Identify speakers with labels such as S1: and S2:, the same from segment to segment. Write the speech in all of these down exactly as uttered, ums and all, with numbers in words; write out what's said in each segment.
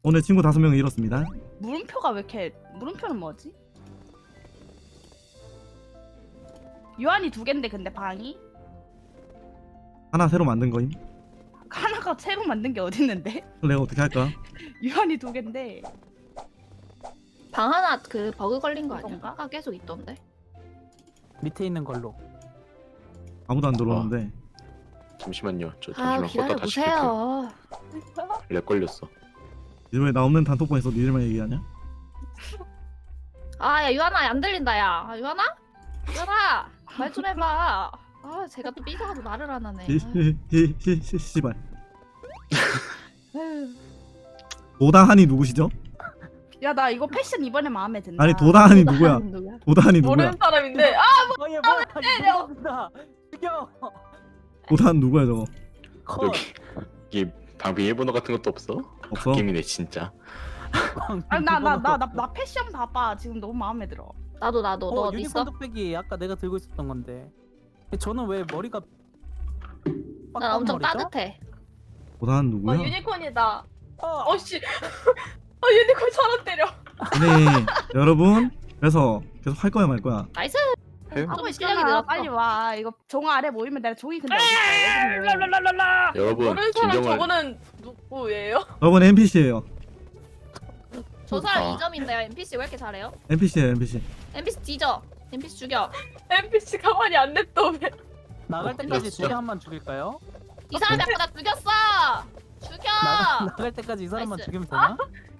S1: 오늘 친구 다섯 명을 잃었습니다.
S2: 물음표가 왜 이렇게 물음표는 뭐지? 유한이 두 갠데 근데 방이?
S1: 하나 새로 만든 거임.
S2: 하나가 새로 만든 게 어딨는데?
S1: 내가 어떻게 할까?
S2: 유한이 두 갠데
S3: 방 하나 그 버그 걸린 거 아니야?
S2: 그런가?
S3: 아까 계속 있던데.
S4: 밑에 있는 걸로.
S1: 아무도 안 들어오는데.
S5: 잠시만요. 저
S3: 아
S5: 잠시만
S3: 기다려
S5: 껐다 다시
S3: 보세요.
S5: 킬게요. 렉 걸렸어.
S1: 이제 왜 나 없는 단톡방에서 니들만 얘기하냐?
S3: 아야 유한아 안 들린다 야. 아, 유한아? 유한아 말 좀 해봐. 아 제가 또 삐져가지고 말을 안 하네.
S1: 히히히히 씨발.
S3: 아유.
S1: 도다한이 누구시죠?
S2: 야 나 이거 패션 이번에 마음에 든다.
S1: 아니 도다한이 누구야?
S3: 누구야?
S1: 도다한이 누구야?
S6: 모르는 사람인데 아
S4: 어, 얘 뭐야? 죽여! 죽여!
S1: 도다한 누구야 저거?
S4: 컷.
S5: 여기 이게 방비 일본어 같은 것도 없어?
S1: 없어?
S5: 게임이네 진짜.
S2: 아니 나나 나 나 나 패션 봐봐 지금 너무 마음에 들어.
S3: 나도 나도 너
S4: 어,
S3: 어디 있어?
S4: 유니콘 뚝배기 아까 내가 들고 있었던 건데. 저는 왜 머리가
S3: 난 엄청
S4: 빡빡머리죠?
S3: 따뜻해.
S1: 도다한
S6: 어,
S1: 누구야?
S6: 유니콘이다.
S4: 어,
S6: 어씨 어 유니콘 사람 때려.
S1: 아니 여러분 그래서 계속 할 거야 말 거야?
S3: 나이스.
S5: 해요?
S3: 좀
S2: 하고
S3: 실력이
S2: 있잖아.
S3: 늘었어.
S2: 빨리 와. 이거 종 아래 모이면 내가 종이 근데 어디 있어?
S6: 랄랄랄랄라.
S5: 여러분
S6: 모르는 사람
S5: 김정은
S6: 저거는 누구예요?
S1: 저번 엔피씨예요.
S3: 저 사람
S5: 아.
S3: 이 점인데요. 엔피씨 왜 이렇게 잘해요?
S1: 엔피씨예요 엔피씨.
S3: 엔피씨 뒤져. 엔피씨 죽여.
S6: 엔피씨 가만히 안 냅둬 왜?
S4: 나갈 때까지
S5: 죽였어.
S4: 두 개 한 번 죽일까요?
S3: 이 사람이 아까 나 죽였어. 죽여.
S4: 나가, 나갈 때까지 이 사람만
S3: 나이스.
S4: 죽이면 되나?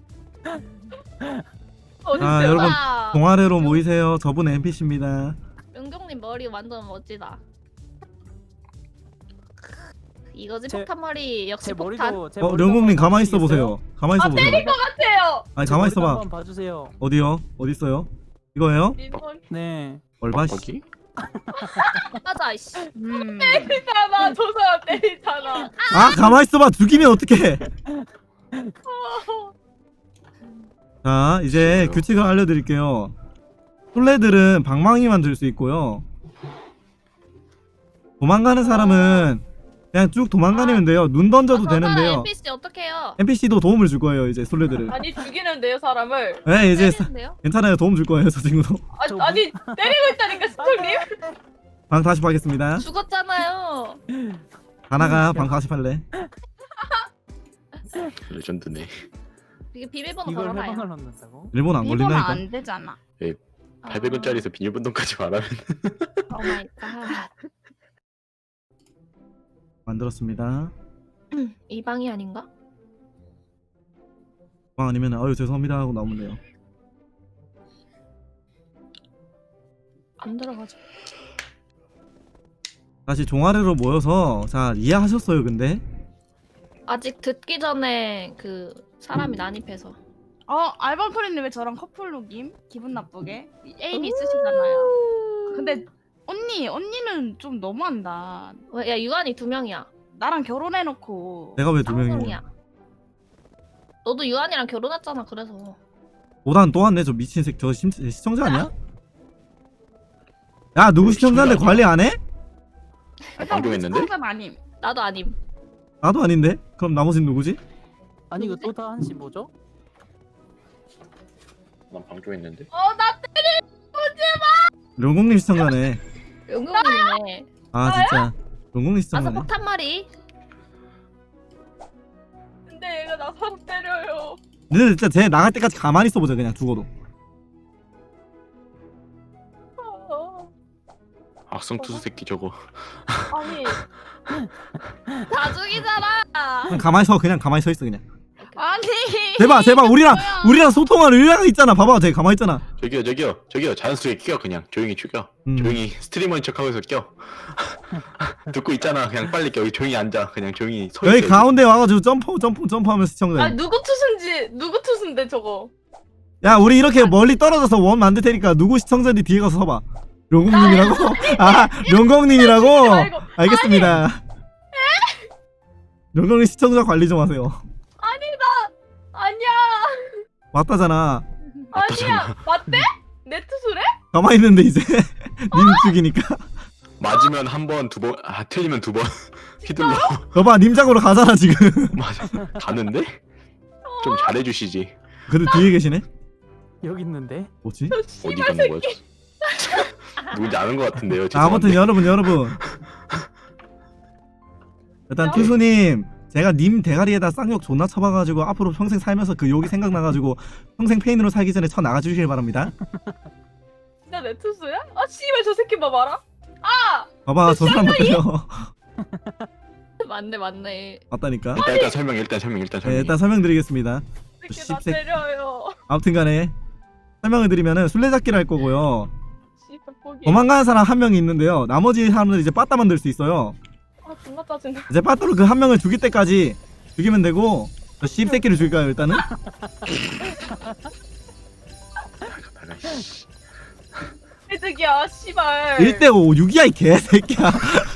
S6: 어딨어요?
S1: 아 여러분
S3: 와.
S1: 동아래로 모이세요. 저분 엔피씨입니다.
S3: 은경님 머리 완전 멋지다. 이거지
S4: 제-
S3: 폭탄 머리 역시
S4: 제
S3: 폭탄.
S4: 머리도 제
S1: 어
S4: 머리도
S1: 령국님
S4: 한번
S1: 가만히 있어
S4: 봐주시겠어요?
S1: 보세요. 가만히 있어
S6: 아,
S1: 보세요.
S6: 때릴 것 같아요.
S1: 아니
S4: 제
S1: 가만히
S4: 머리도
S1: 있어봐.
S4: 한번 봐주세요.
S1: 어디요? 어디 있어요? 이거예요?
S6: 민원
S4: 네.
S1: 얼마 씨.
S5: 거기?
S3: 맞아 이씨.
S2: 음.
S6: 때리잖아. 저 사람 때리잖아.
S1: 아 가만히 있어봐. 죽이면 어떡해? 자 이제
S5: 싫어요.
S1: 규칙을 알려드릴게요. 술래들은 방망이만 들 수 있고요. 도망가는 사람은 그냥 쭉 도망다니면 돼요. 눈 던져도
S3: 아, 저 사람
S1: 되는데요.
S3: 엔피씨 어떡해요?
S1: 엔피씨도 도움을 줄 거예요. 이제 술래들은.
S6: 아니 죽이는데요 사람을.
S1: 네 이제 사-
S3: 때리는데요?
S1: 괜찮아요. 도움 줄 거예요. 저 친구도.
S6: 아,
S4: 저
S6: 아니 때리고 있다니까 시청님.
S1: 방 사십 하겠습니다.
S3: 죽었잖아요.
S1: 하나가 방 사십 할래.
S5: 레전드네.
S3: 이게 비밀번호
S4: 이걸
S3: 걸어놔요.
S4: 해방을 넣는다고?
S1: 일본 안
S2: 이거는
S1: 걸린다니까.
S2: 안 되잖아.
S5: 팔백 원짜리에서 비밀번호까지 말하면
S3: 오 마이 갓.
S1: 만들었습니다.
S3: 이 방이 아닌가?
S1: 방 아니면 아유 죄송합니다 하고 나오면 돼요.
S3: 안 들어가죠.
S1: 다시 종아리로 모여서 자 이해하셨어요 근데?
S3: 아직 듣기 전에 그 사람이 난입해서.
S2: 어 알밤토리님 왜 저랑 커플룩임? 기분 나쁘게 애인 있으시잖아요. 근데 언니 언니는 좀 너무한다.
S3: 왜, 야 유한이 두 명이야.
S2: 나랑 결혼해놓고
S1: 내가 왜 두 명이야?
S3: 쌍둥이야. 너도 유한이랑 결혼했잖아. 그래서.
S1: 오단 또 왔네 저 미친 새끼 저 심, 시청자 아니야? 야 누구 시청자인데 관리 안 해?
S5: 아, 방종했는데?
S2: 시청자는 아님.
S3: 나도 아님.
S1: 나도 아닌데? 그럼 나머지는 누구지?
S4: 아니 이거
S3: 누구지?
S4: 도타 한씨 뭐죠?
S5: 난 방종했는데.
S6: 어나
S1: 룡공님 시청자네.
S3: 영국이네.
S1: 아 진짜 룡공님
S3: 아서
S1: 시청자네.
S3: 폭탄 머리.
S6: 근데 얘가 나 사람 때려요.
S1: 근데 진짜 쟤 나갈 때까지 가만히 있어보자 그냥 죽어도.
S6: 어,
S5: 악성투수 새끼 저거.
S6: 아니
S3: 다 죽이잖아.
S1: 그냥 가만히 서 그냥 가만히 서 있어 그냥.
S2: 아니.
S1: 제발 제발 우리랑
S2: 뭐야.
S1: 우리랑 소통할 의뢰가 있잖아. 봐봐 쟤 가만히 있잖아.
S5: 저기요 저기요 저기요 자연스레 껴 그냥 조용히 죽여.
S1: 음.
S5: 조용히 스트리머인 척하면서 껴. 듣고 있잖아. 그냥 빨리 껴. 여기 조용히 앉아. 그냥 조용히 서
S1: 여기
S5: 있어.
S1: 가운데 와가지고 점프 점프 점프하면서 시청자.
S6: 아니 누구 투수인지 누구 투수인데 저거.
S1: 야 우리 이렇게 멀리 떨어져서 원 만들 테니까 누구 시청자인지 뒤에 가서 서봐. 룡공님이라고? 아 룡공님이라고?
S6: 아이고
S1: 알겠습니다. 룡공님 시청자 관리 좀 하세요.
S6: 아니야
S1: 맞다잖아.
S6: 아니야 맞대? 내 투수래?
S1: 가만히 있는데 이제 님 죽이니까.
S5: 맞으면 한 번, 두 번, 아 틀리면 두 번 휘둘러.
S1: 너봐 님장으로 가잖아 지금.
S5: 맞아. 가는데? 좀 잘해주시지.
S1: 근데 뒤에 계시네?
S4: 여기 있는데.
S1: 뭐지?
S5: 어디 가는 거야? 누군지 아는 것 같은데요.
S1: 자, 아무튼
S5: 죄송한데.
S1: 여러분 여러분 일단 투수님 제가 님 대가리에다 쌍욕 존나 쳐봐가지고 앞으로 평생 살면서 그 욕이 생각나가지고 평생 페인으로 살기 전에 쳐 나가주시길 바랍니다.
S6: 진짜 내 투수야? 아 씨발 저 새끼 봐봐라. 아
S1: 봐봐 저 사람 어때요?
S3: 맞네 맞네.
S1: 맞다니까.
S5: 일단 일단 설명 일단 설명 일단
S1: 네,
S5: 설명.
S1: 일단 설명드리겠습니다.
S6: 새끼 나
S1: 씹새-
S6: 때려요.
S1: 아무튼간에 설명을 드리면은 술래잡기를 할 거고요.
S6: 씨발 포기.
S1: 도망가는 사람 한 명이 있는데요. 나머지 사람들 이제 빠따 만들 수 있어요.
S6: 아 존나 짜증나.
S1: 이제 빠따로 그 한 명을 죽일 때까지 죽이면 되고 저 씹새끼를 죽일까요 일단은?
S5: 나가, 씨.
S6: 해득이야 씨발.
S1: 일 대 오 육이야 이 개새끼야.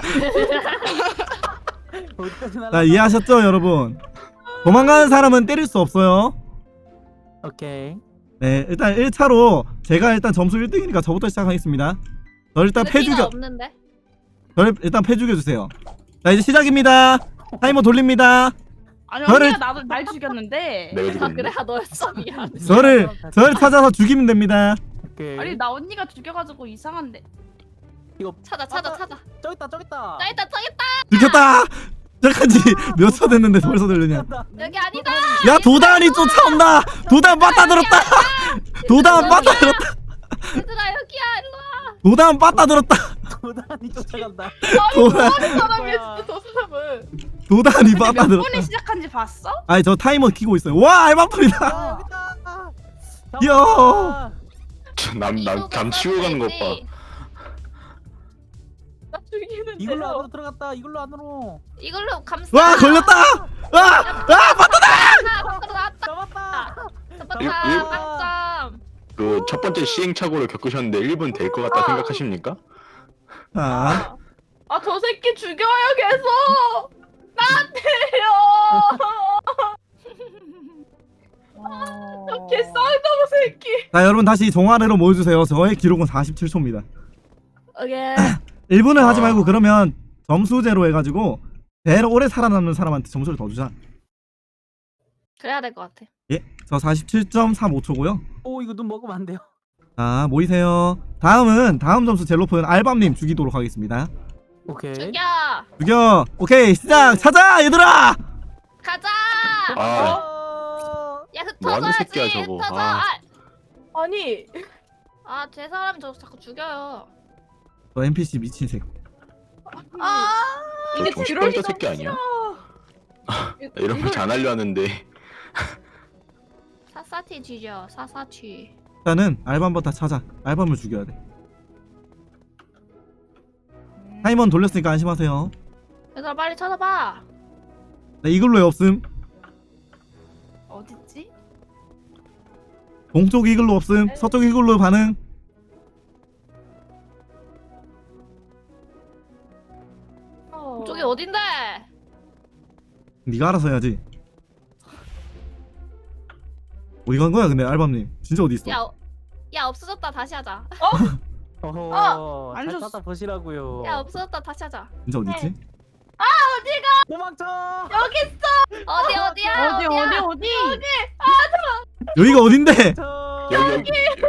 S4: 어디까지 날라?
S1: 자 이해하셨죠 여러분? 도망가는 사람은 때릴 수 없어요.
S4: 오케이.
S1: 네 일단 일 차로 제가 일단 점수 일 등이니까 저부터 시작하겠습니다. 저 일단 패
S3: 피가
S1: 죽여
S3: 없는데.
S1: 저를 일단 패 죽여주세요. 자 이제 시작입니다. 타이머 돌립니다.
S2: 아니
S1: 저를-
S2: 언니가 나도 날 죽였는데.
S5: 내가
S3: 아
S5: 죽었는데.
S3: 그래 아 너였어 미안.
S1: 저를 저를 찾아서 죽이면 됩니다.
S4: 오케이.
S2: 아니 나 언니가 죽여가지고 이상한데.
S4: 이거
S3: 찾아 찾아
S4: 맞아.
S3: 찾아.
S4: 저기 있다 저기 있다.
S3: 나 일단 저기 있다.
S1: 들켰다. 시작한 지 몇 초 됐는데 벌써 들리냐?
S3: 여기 아니다.
S1: 야 도단이 쫓아온다. 도단 빠따 들었다. 도단 빠따 들었다.
S3: 얘들아 여기야 일로 와.
S1: 도단 빠따 들었다.
S4: 도단이 쫓아간다.
S1: 도단
S6: 사람이야 진짜 저 사람은.
S1: 도단이
S2: 근데
S1: 빠따
S2: 몇
S1: 들었다.
S2: 분이 시작한지 봤어?
S1: 아니 저 타이머 키고 있어요. 와 알바풀이다.
S4: 아, 여기 있다.
S1: 야.
S5: 남남담 치고 가는 것 봐.
S6: 나 죽이는
S4: 이걸로 안으로 들어갔다. 이걸로 안으로.
S3: 이걸로 감싸.
S1: 와 걸렸다. 와. 아 빠따.
S3: 하나 밖으로 나왔다.
S4: 잡았다.
S3: 잡았다.
S5: 일- 일-
S3: 빵점.
S5: 그 첫 번째 시행착오를 겪으셨는데 일 분 될 것 같다 생각하십니까?
S1: 자
S6: 아 저 새끼 죽여요 계속. 나한테요. 저 개쌍놈 새끼.
S1: 자 여러분 다시 종아래로 모여주세요. 저의 기록은 사십칠 초입니다.
S3: 오케이.
S1: 일 분을 하지
S5: 아.
S1: 말고 그러면 점수제로 해가지고 제일 오래 살아남는 사람한테 점수를 더 주자.
S3: 그래야 될 것 같아.
S1: 예, 저 사십칠 점 삼오 초고요.
S4: 오 이거 눈 먹으면 안 돼요.
S1: 자 모이세요. 다음은 다음 점수 제일 높은 알밤님 죽이도록 하겠습니다.
S4: 오케이.
S3: 죽여.
S1: 죽여. 오케이 시작. 찾아 얘들아.
S3: 가자.
S5: 아
S4: 어...
S3: 야
S5: 뭐 하는
S3: 흩어져야지.
S5: 새끼야, 저거.
S3: 흩어져.
S5: 아.
S3: 아,
S6: 아니
S3: 아, 제 사람 저 자꾸 죽여요.
S1: 저 엔피씨 미친 새끼.
S6: 아
S5: 저
S6: 이게
S5: 정신
S6: 지롤이
S5: 떨다 새끼 아니야? 이런 거 잘 하려 하는데
S3: 사사티 쥐죠. 사사티.
S1: 일단은 알밤부터 찾아. 알밤을 죽여야 돼. 타이머는 돌렸으니까 안심하세요.
S3: 얘들아 빨리 찾아봐.
S1: 나 이글루에 없음.
S2: 어딨지?
S1: 동쪽 이글루 없음. 서쪽 이글루 반응.
S6: 어.
S3: 저기 어딘데?
S1: 네가 알아서 해야지. 어디 간 거야 근데 알밤님? 진짜 어디 있어?
S3: 야, 어- 야 없어졌다 다시 하자.
S4: 어허.
S2: 안
S4: 잘
S2: 줬어.
S4: 찾아 보시라고요.
S3: 야 없어졌다 다시 하자.
S1: 진짜 어디 있지?
S4: 도망쳐.
S3: 어디 어디야?
S2: 어디 어디 어디?
S1: 여기가 어딘데?
S4: 저...
S5: 여기 여기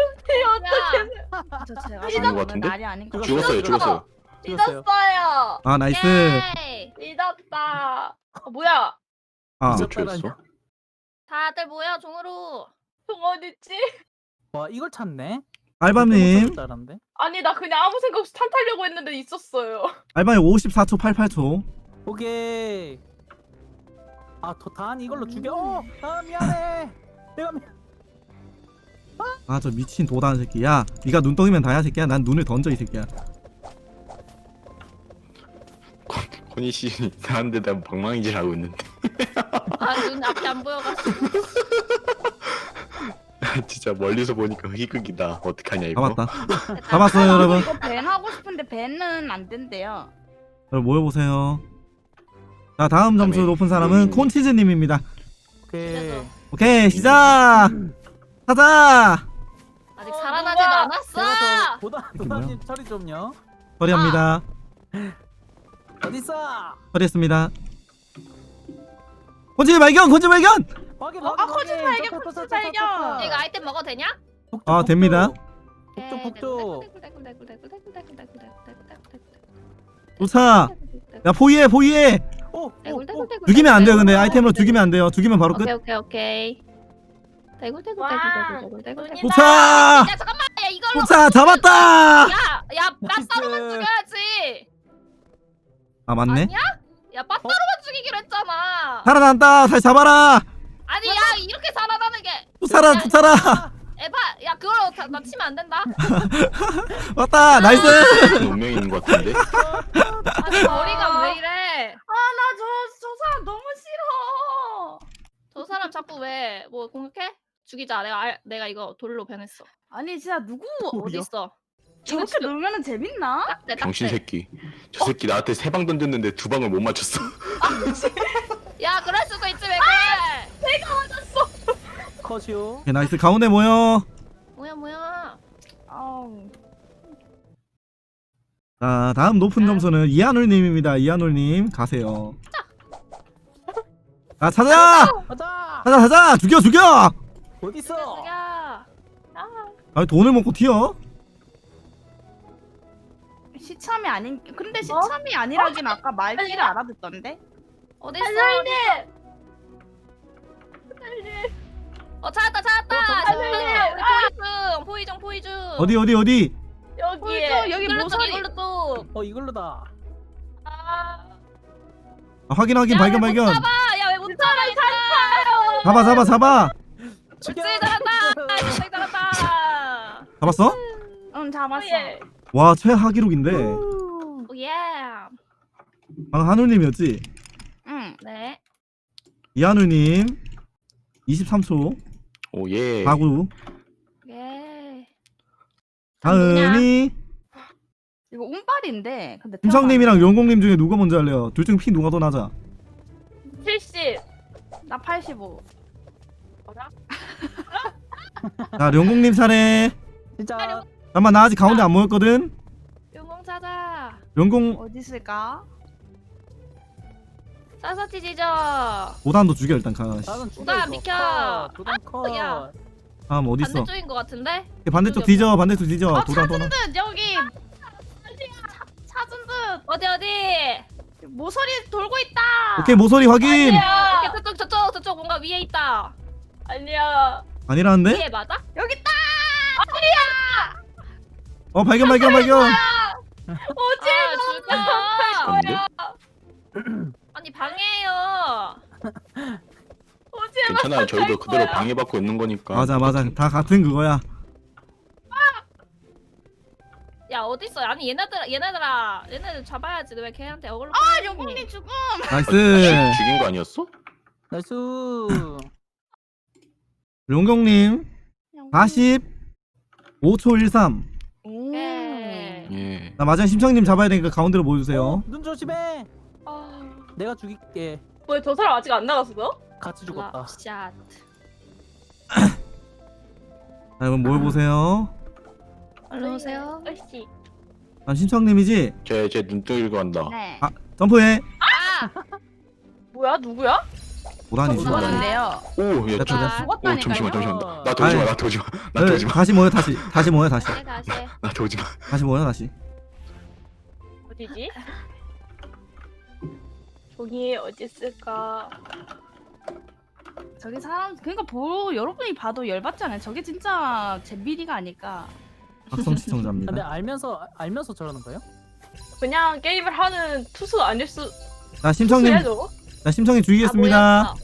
S3: 야,
S2: 저 제가
S5: 아닌 것 같은데?
S2: 날이 아닌 것 같아.
S5: 죽었어요 죽었어요.
S4: 죽었어요.
S6: 믿었어요.
S1: 아 나이스.
S3: 예이.
S6: 믿었다. 어, 뭐야?
S1: 아
S5: 몇 초였어?
S3: 다들 모여 종으로.
S6: 종 어딨지?
S4: 와 이걸 찾네.
S1: 알밤님.
S4: 잘한데.
S6: 아니 나 그냥 아무 생각 없이 탄 타려고 했는데 있었어요.
S1: 알밤님 오십사 초 팔십팔 초.
S4: 오케이. 아 도단 이걸로 죽여. 어, 아 미안해. 내가 미...
S1: 아 저 미친 도단 새끼. 야 네가 눈덩이면 다야 새끼야. 난 눈을 던져 이 새끼야.
S5: 코니 씨 이상한 데다 방망이질 하고 있는데
S3: 아눈 앞이 안 보여가지고.
S5: 진짜 멀리서 보니까 희극이다. 어떡하냐 이거.
S1: 잡았다. 잡았어요 여러분.
S2: 이거 밴 하고 싶은데 밴은 안 된대요.
S1: 여러분 모여보세요. 자 다음 점수
S5: 아멘.
S1: 높은 사람은
S5: 음.
S1: 콘치즈님입니다.
S4: 오케이.
S1: 오케이 시작. 찾아.
S3: 아직
S6: 어,
S3: 살아나지도
S6: 누가-
S3: 않았어.
S4: 제가 저 도단
S1: 이게 뭐야?
S4: 도단님 처리 좀요.
S1: 처리합니다.
S4: 어디 있어?
S1: 처리했습니다. 콘치즈 발견. 콘치즈 발견.
S4: 확인
S2: 어,
S4: 확인
S2: 아, 코치
S4: 확인.
S2: 발견,
S4: 저, 저,
S2: 코치
S4: 저, 저,
S2: 발견.
S4: 저, 저, 저.
S3: 이거 아이템 먹어도 되냐?
S4: 북쪽,
S1: 아,
S4: 북쪽.
S1: 됩니다.
S4: 북쪽 북쪽.
S1: 좋다. 야 포위해 포위해.
S4: 오, 오, 오.
S1: 죽이면 안 돼요. 근데 아이템으로 죽이면 안 돼요. 죽이면 바로 끝.
S3: 오케이 오케이 오케이. 대굴 대굴
S6: 와,
S3: 대굴 대굴 대굴 대굴.
S1: 좋다.
S3: 야 잠깐만 야 이걸로.
S1: 좋다. 잡았다.
S3: 야야 빠따로만
S4: 나이스.
S3: 죽여야지.
S1: 아 맞네.
S3: 아니야? 야 빠따로만 죽이기로 했잖아.
S1: 살아난다. 다시 잡아라.
S3: 아니 야 이렇게 살아나는 게.
S1: 또 살아 또 살아.
S3: 에바 야 그걸로 다, 나 치면 안 된다.
S1: 왔다. 나이스.
S5: 운명이 있는 것 같은데.
S3: 아니 머리가 왜 이래?
S2: 나 저 저 사람 너무 싫어.
S3: 저 사람 자꾸 왜 뭐 공격해? 죽이자. 내가 알, 내가 이거 돌로 변했어.
S2: 아니 진짜 누구
S3: 어디 있어?
S2: 저렇게 놀면은 재밌나?
S3: 딱대 딱대.
S5: 병신 새끼. 저 새끼 나한테 세 방 던졌는데 두 방을 못 맞췄어.
S3: 야 그럴 수도 있지 왜 그래?
S4: 컷이요.
S1: 오케이, 나이스. 가운데 모여.
S3: 뭐야 뭐야?
S2: 아우.
S1: 자 다음 높은 점수는 이한울님입니다. 이한울님 가세요. 아 찾아.
S4: 가자.
S1: 찾아 찾아. 죽여 죽여.
S4: 어디 있어?
S3: 야
S1: 아 돈을 먹고 튀어?
S2: 시참이 아닌 근데 시참이 아니라긴 아까 말귀를 알아듣던데.
S3: 어디 있어? 어 찾았다 찾았다.
S4: 어, 저기
S3: 잠깐만, 우리 포이중 포이중 포이중.
S1: 어디 어디 어디?
S6: 여기에.
S2: 여기
S3: 이걸로 또
S2: 모서리.
S3: 이걸로 또.
S4: 어 이걸로다.
S6: 아,
S1: 아, 확인 확인 발견 발견.
S3: 야왜 못 잡아 이거?
S1: 잡아 잡아 잡아.
S3: 그치 잘한다. 굉장히 잘한다.
S1: 잡았어?
S2: 응 잡았어.
S6: 예.
S1: 와 최하 기록인데.
S3: 오예.
S1: 방금 한울님이었지?
S2: 응.
S3: 네.
S1: 이한울님 이십삼 초.
S5: 오 예.
S1: 사구.
S3: 예.
S1: 다은이.
S2: 이거 운빨인데. 근데
S1: 김성님이랑 용공님 중에 누가 먼저 할래요? 둘 중 피 누가 더 낮아?
S6: 칠십.
S2: 나 팔십오.
S1: 자 용공님 차례.
S4: 진짜.
S1: 잠깐만 나 아직 가운데 안 모였거든.
S3: 용공 찾아.
S1: 용공
S2: 어디 있을까?
S3: 사사티 지져.
S1: 오단도 죽여 일단 가.
S4: 나는 죽여.
S3: 도단
S4: 이거.
S3: 비켜.
S4: 컷, 도단 컷.
S3: 야.
S1: 다음 어디 있어?
S3: 반대쪽인 것 같은데?
S1: 반대쪽 뒤져 반대쪽 뒤져.
S2: 어
S1: 도단
S2: 찾은
S1: 도단.
S2: 듯 여기. 차, 찾은 듯
S3: 어디 어디?
S2: 모서리 돌고 있다.
S1: 오케이 모서리 확인.
S6: 아니야.
S3: 이렇게 저쪽 저쪽 저쪽 뭔가 위에 있다.
S6: 아니야.
S1: 아니라는데?
S3: 위에 맞아?
S2: 여기 있다.
S1: 어 발견 발견 발견.
S6: 오지
S3: 아
S5: 근데
S3: 죽여. 아니 방해해요.
S6: 오지
S5: 괜찮아요. 저희도 그대로 방해받고 있는 거니까.
S1: 맞아 맞아 다 같은 그거야.
S3: 야 어디 있어? 아니 얘네들 얘네들아 얘네들 잡아야지. 너 왜 걔한테 어글로?
S2: 아 용공님 죽음.
S1: 나이스.
S5: 죽인 거 아니었어?
S4: 나이스.
S1: 용경님 사십오 초 일삼.
S2: 오.
S3: 예.
S5: 예.
S1: 나 마지막 심청님 잡아야 되니까 가운데로 모여주세요.
S4: 어, 눈 조심해.
S6: 아,
S4: 내가 죽일게.
S6: 뭐야 저 사람 아직 안 나갔어?
S4: 같이 죽었다.
S3: 샷.
S1: 자 그럼 모여보세요.
S3: 얼른 오세요.
S6: 으씨.
S1: 난 심청님이지?
S5: 쟤쟤 눈뜨고 간다.
S2: 네.
S1: 아 점프해.
S3: 아!
S6: 뭐야 누구야?
S1: 오단이지.
S3: 누가
S1: 오단.
S2: 죽었는데요.
S5: 오, 야,
S1: 나
S5: 저,
S3: 아,
S5: 오, 잠시만, 잠시만. 나, 나
S1: 아이.
S5: 도지 마, 나 도지 마, 나
S1: 네,
S5: 도지 마,
S1: 다시 모여 다시. 다시 모여 다시.
S3: 네 다시.
S5: 나 도지 마.
S1: 다시 모여 다시.
S6: 어디지? 종이 어디 있을까?
S2: 저기 사람 그러니까 보 여러분이 봐도 열받지 않아요. 저게 진짜 잼비리가 아닐까.
S1: 박성
S4: 근데
S1: 시청자입니다.
S4: 알면서 알면서 저러는 거예요?
S6: 그냥 게임을 하는 투수 아닐 수.
S1: 자 심청님,
S6: 투수야죠?
S1: 자 심청님
S3: 아,
S1: 죽이겠습니다.
S3: 모였어.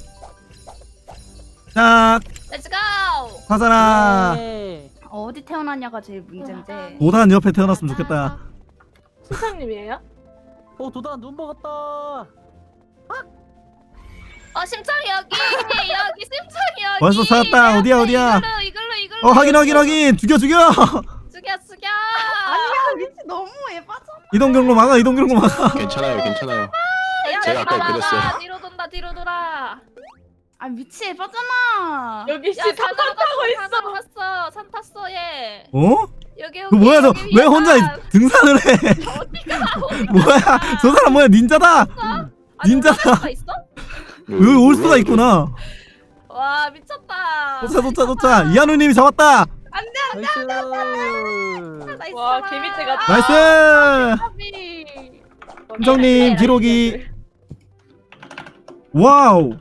S1: 자
S3: Let's go.
S1: 사자라.
S4: 네.
S2: 어디 태어났냐가 제일 문제인데.
S1: 오단 옆에 태어났으면 좋겠다.
S6: 수사님이에요?
S4: 어 도단 눈 먹었다.
S3: 어 심창이 여기 여기 심창이 여기.
S1: 벌써 찾았다. 어디야, 어디야?
S3: 이걸로 이걸로 이걸로.
S1: 어 확인 확인 확인. 죽여 죽여.
S3: 죽여 죽여.
S2: 아니야 미치 너무 예뻐졌나.
S1: 이동 경로 막아. 이동 경로 막아.
S5: 괜찮아요, 괜찮아요.
S3: 야,
S5: 제가 아까
S3: 돌아가.
S5: 그랬어요.
S3: 뒤로 돈다 뒤로 돌아.
S2: 아 미치 예뻐잖아.
S6: 여기 씨
S3: 야,
S6: 탑
S3: 산
S6: 타고
S3: 산
S6: 있어.
S3: 탔어. 산 탔어 얘.
S1: 어?
S3: 여기 여기.
S1: 그 뭐야 저
S3: 여기
S1: 왜
S3: 위에
S1: 혼자
S3: 산.
S1: 등산을 해?
S3: 어디가 어디가.
S1: 뭐야 저 사람 뭐야 닌자다.
S3: 아니,
S1: 닌자다.
S3: 올라갈 수가 있어?
S1: 여기 올 수가 있구나.
S3: 와 와 미쳤다.
S1: 도차 도차 도차. 이한우님이 잡았다.
S4: 나이스.
S3: 나이스.
S6: 와 개미떼가
S1: 나이스.
S3: 까비.
S1: 김성님 기록이 와우.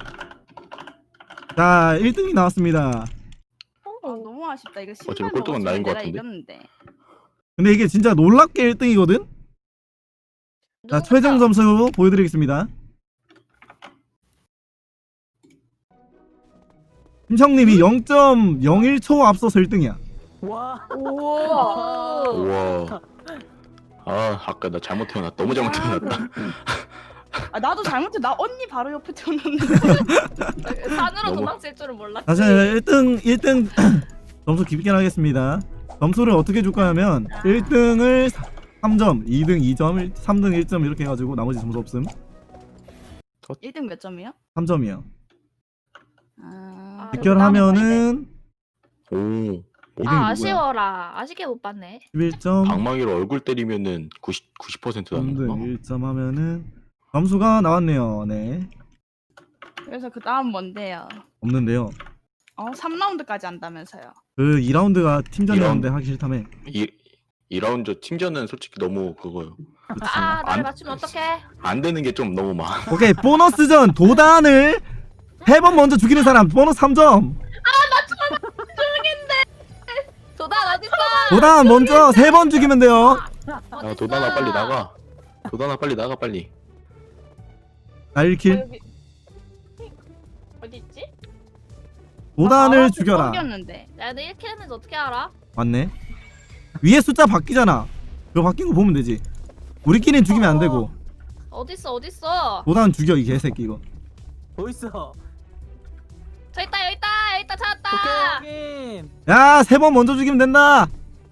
S1: 자 일 등이 나왔습니다.
S2: 아, 너무 아쉽다. 이거
S5: 어차피
S2: 신발
S5: 꼴등은
S2: 먹었으면
S5: 나인 것
S2: 내가
S5: 같은데?
S2: 이겼는데.
S1: 근데 이게 진짜 놀랍게 일 등이거든. 자
S3: 누구부터?
S1: 최종 점수 보여드리겠습니다. 김성님이 영 점 영일 초 앞서서 일 등이야.
S4: 와.
S3: 우와.
S5: 우와. 아 아까 나 잘못 태어났다. 너무 잘못 태어났다.
S2: 아 나도 잘못해. 나 언니 바로 옆에 태어났는데.
S3: 산으로
S5: 너무-
S3: 도망칠 줄은 몰랐지.
S1: 자 일 등 일 등 점수 깊게 하겠습니다. 점수를 어떻게 줄까 하면 일 등을 삼 점, 이 등 이 점, 삼 등 일 점 이렇게 해가지고 나머지 점수 없음.
S2: 일 등 몇 점이요?
S1: 삼 점이요.
S2: 아,
S3: 아,
S1: 직결하면은
S5: 오. 뭐,
S1: 이등이
S3: 아
S1: 누구야?
S3: 아쉬워라. 아쉽게 못 봤네.
S1: 십일 점,
S5: 방망이로 얼굴 때리면은 구십 구십 퍼센트
S1: 삼 등
S5: 나는
S1: 일 점 하면은 점수가 나왔네요. 네.
S2: 그래서 그 다음 뭔데요?
S1: 없는데요.
S2: 어, 삼 라운드까지 한다면서요.
S1: 그 이 라운드가 팀전이었는데
S5: 이 라운드.
S1: 하기 싫다며.
S5: 이 이 라운드 팀전은 솔직히 너무 그거요.
S1: 그치.
S3: 아 나를
S5: 안-
S3: 맞추면 어떡해?
S5: 안 되는 게 좀 너무 많아.
S1: 오케이 보너스전 도단을 세 번 먼저 죽이는 사람 보너스 삼 점.
S3: 도단 어딨어?
S1: 도단 먼저 세 번 죽이면 돼요.
S5: 야 도단아 빨리 나가. 도단아 빨리 나가 빨리.
S1: 나 일 킬.
S6: 여기 어디 있지?
S1: 도단을
S2: 아,
S1: 죽여라.
S2: 넘겼는데.
S3: 야, 내 일 킬 했는지 어떻게 알아?
S1: 맞네. 위에 숫자 바뀌잖아. 그거 바뀐 거 보면 되지. 우리끼리는 죽이면 안 되고.
S3: 어딨어 어딨어?
S1: 도단 죽여 이 개새끼 이거.
S4: 뭐 있어?
S3: 저 있다 여기 있다 여기 있다 찾았다.
S4: 오케이 확인.
S1: 야 세 번 먼저 죽이면 된다.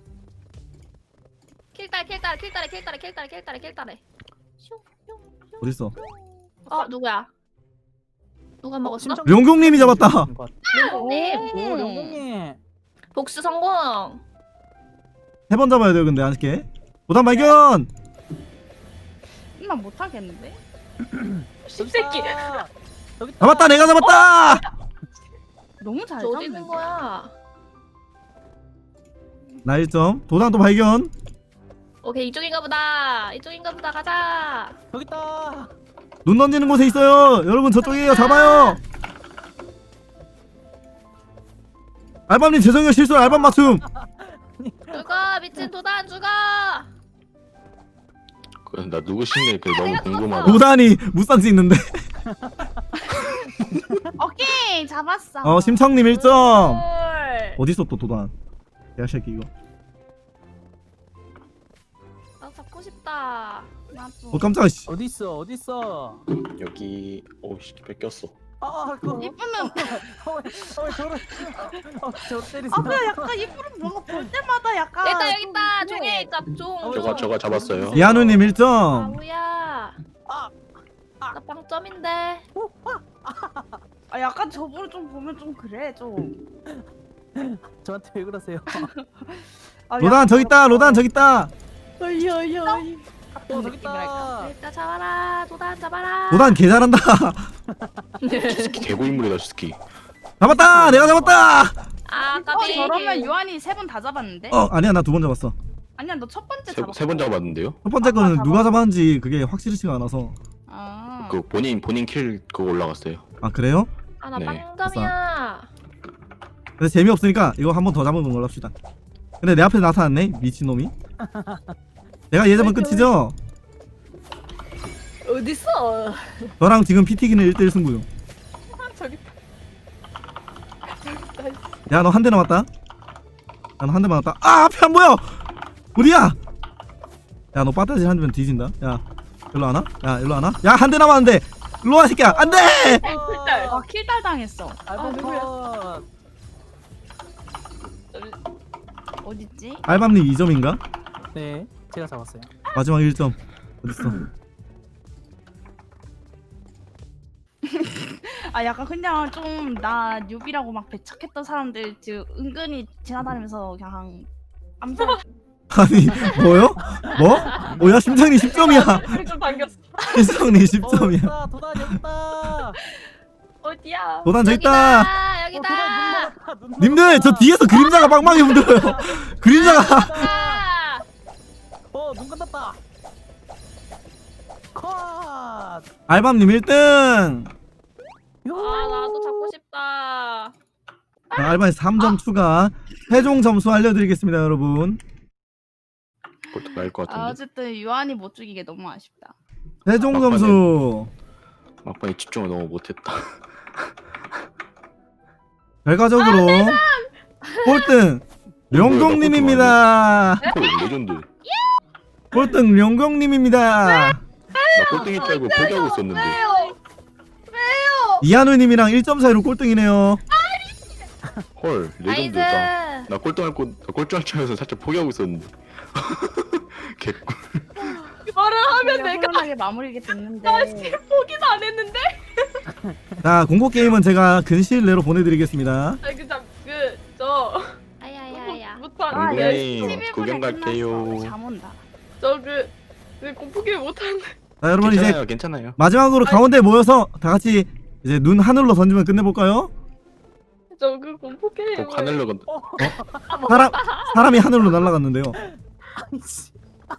S3: 킬딸 킬딸 킬딸에 킬딸에 킬딸에 킬딸에 킬딸에.
S1: 어딨어?
S3: 어 누구야? 누가 먹었어?
S4: 심청-
S1: 용국님이 잡았다.
S3: 네.
S4: 오 영국님.
S3: 복수 성공.
S1: 세 번 잡아야 돼요 근데 아쉽게. 도단 발견.
S2: 나 못하겠는데?
S6: 십새끼.
S4: 여기 있다.
S1: 잡았다 내가 잡았다.
S2: 너무 잘
S3: 저 어디 있는
S2: 잡는데.
S3: 거야?
S1: 나 일 점. 도단 또 발견.
S3: 오케이 이쪽인가 보다. 이쪽인가 보다 가자.
S4: 여기 있다.
S1: 눈 던지는 곳에 있어요. 여러분 저쪽이에요. 잡아요. 알밤님 죄송해요 실수 알밤 맞춤.
S3: 죽어 미친 도단 죽어.
S5: 그, 나 누구신지 그 너무
S3: 내가
S5: 궁금하다.
S1: 도단이 무쌍 찍는데.
S2: 오케이 잡았어.
S1: 어 심청님 일 점.
S3: 헐.
S1: 어딨어 또 도단. 개새끼 이거.
S3: 나 잡고 싶다.
S2: 나도.
S1: 어 깜짝아 씨.
S4: 어디 있어? 어디 있어?
S5: 여기 오씨 뺏겼어.
S4: 아 그거.
S2: 이쁘면
S4: 어왜 저를? 어저 때리세요.
S2: 아 그냥 약간 이쁘면 뭔가 볼 때마다 약간
S3: 여기 있다 여기
S2: 좀
S3: 있다.
S2: 그래.
S3: 종이에 있다 종.
S5: 저거 저거 잡았어요.
S1: 이한우님 일 점.
S3: 아우야.
S4: 아, 아.
S3: 나 빵점인데.
S2: 아 약간 저분을 좀 보면 좀 그래 좀.
S4: 저한테 왜 그러세요?
S2: 아,
S1: 로단
S2: 약간
S1: 저기 있다. 로단 저기 있다.
S2: 어이 어이 어이.
S4: 어 저기
S2: 느낌이랄까.
S4: 있다.
S3: 일단 잡아라. 도단 잡아라.
S1: 로단 개 잘한다.
S5: 스키 개고인물이다 스키.
S1: 잡았다. 내가 잡았다.
S3: 아
S2: 어
S3: 까비.
S2: 저러면 유한이 세 번 다 잡았는데?
S1: 어 아니야 나 두 번 잡았어.
S2: 아니야 너 첫 번째
S5: 세
S2: 잡았어.
S5: 세 번 잡았는데요?
S1: 첫 번째
S2: 아까
S1: 거는
S2: 잡았어.
S1: 누가 잡았는지 그게 확실치가 않아서.
S2: 아.
S5: 그 본인 본인 킬 그거 올라갔어요.
S1: 아 그래요?
S3: 아나
S5: 네,
S3: 빵점이야.
S1: 근데 재미없으니까 이거 한 번 더 잡은 걸로 합시다. 근데 내 앞에 나타났네 미친놈이. 내가 얘 잡으면 끝이죠?
S6: 어딨어?
S1: 저랑 지금 피튀기는 일 대일 승부 중.
S6: 저기
S1: 야 너 한 대 남았다. 난 한 대 남았다. 아 앞에 안 보여. 어디야? 야 너 빠따질 한 대면 뒤진다. 야 일로 와나? 야 일로 와나? 야 한 대 남았는데. 일로 와 새끼야. 안 돼.
S6: 킬딸.
S2: 아 킬달 당했어.
S4: 알바
S6: 누구야?
S4: 컷.
S2: 어딨지?
S1: 알밤님 이 점인가?
S4: 네 제가 잡았어요.
S1: 마지막 일 점. 어딨어?
S2: 아 약간 그냥 좀 나 뉴비라고 막 배척했던 사람들 지금 은근히 지나다니면서 그냥 암살.
S1: 아니 뭐요? 뭐? 뭐야 심장이 십 점이야.
S6: 좀 당겼어.
S1: 심장이 십
S4: 어,
S1: 점이야.
S4: 여기 있다. 도단 여기 있다.
S6: 어디야?
S1: 도단 저기
S3: 여기다.
S1: 있다.
S3: 여기다.
S1: 님들 저 뒤에서 그림자가 빵빵히 흔들어요. 그림자가
S3: 아,
S4: 어눈 감았다. 컷.
S1: 알밤님 일 등.
S3: 아 나도 잡고 싶다.
S1: 알밤이 삼 점 추가. 최종 점수 알려드리겠습니다 여러분.
S5: 그것도 나을 것
S2: 아,
S5: 같은데.
S2: 어쨌든 유한이 못 죽이게 너무 아쉽다.
S1: 최종
S5: 막판에-
S1: 점수
S5: 막판에 집중을 너무 못했다.
S1: 결과적으로 꼴등 룡공님입니다.
S5: 헐 레전드.
S1: 꼴등 룡공님입니다.
S5: 나 꼴등이 알고 포기하고 있었는데.
S1: 이한우님이랑 일 점 차이로 꼴등이네요.
S5: 헐 레전드.
S3: 나이스.
S5: 나, 나 꼴등할 거, 나 꼴등할 줄 알아서 살짝 포기하고 있었는데. 개꿀.
S6: 말을 하면
S2: 내가
S6: 내가
S2: 훈훈하게 마무리게 됐는데.
S6: 포기도 안 했는데.
S1: 자 공고 게임은 제가 근시일 내로 보내드리겠습니다.
S6: 아니 그저그저
S3: 아야야야.
S6: 못한
S2: 아,
S5: 네,
S2: 열심히
S5: 구경
S2: 보내
S5: 갈게요.
S2: 끝났어. 잠 온다.
S6: 저그 그 공포 게임 못하는데.
S1: 자 여러분 이제
S5: 괜찮아요, 괜찮아요.
S1: 마지막으로 가운데 모여서 다 같이 이제 눈 하늘로 던지면 끝내볼까요?
S6: 저 그 공포 게임.
S5: 꼭 하늘로 건.
S1: 사람 사람이 하늘로 날아갔는데요.
S4: 아이씨.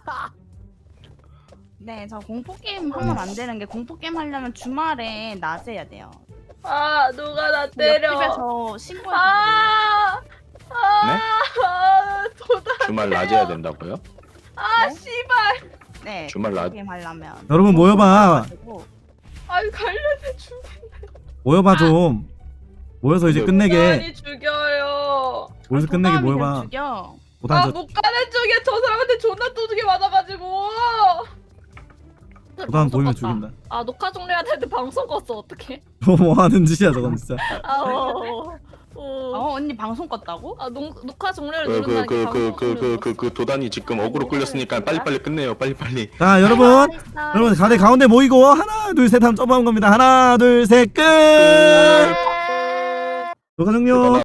S2: 네, 저 공포 게임 하면 안 되는 게 공포 게임 하려면 주말에 낮에 해야 돼요.
S6: 아 누가 나 때려.
S2: 옆집에서 신고해.
S6: 아. 아.
S5: 네?
S6: 아 도다.
S5: 주말 낮에 해야 된다고요?
S6: 아
S2: 네?
S6: 씨발.
S2: 네,
S5: 주말
S2: 공포
S5: 낮-
S2: 게임 하려면.
S1: 여러분 모여봐.
S6: 아이 관련해 죽.
S1: 모여봐 좀. 모여서 이제 끝내게.
S6: 많이 죽여요.
S1: 모여서 끝내게
S2: 도담이
S1: 모여봐.
S2: 그냥 죽여.
S1: 보단
S6: 아
S1: 저
S6: 못 가는 쪽에 저 사람한테 존나 두둑이 맞아가지고.
S1: 보단 보이면
S3: 껐다.
S1: 죽인다.
S3: 아 녹화 종료해야 되는데 방송 껐어 어떡해?
S1: 뭐 하는 짓이야 저건 진짜.
S3: 아 어. 어.
S2: 어, 언니 방송 껐다고?
S3: 아 녹, 녹화 종료를
S5: 그
S3: 누른다는 게 방송
S5: 그 그 그 그
S3: 종료를
S5: 그 도단이 지금 어그로 끌렸으니까 빨리 빨리 끝내요. 빨리 빨리.
S1: 자 여러분 여러분 가대 가운데 모이고 하나 둘 셋 하면 점프하는 겁니다. 하나 둘 셋 끝. 녹화 종료.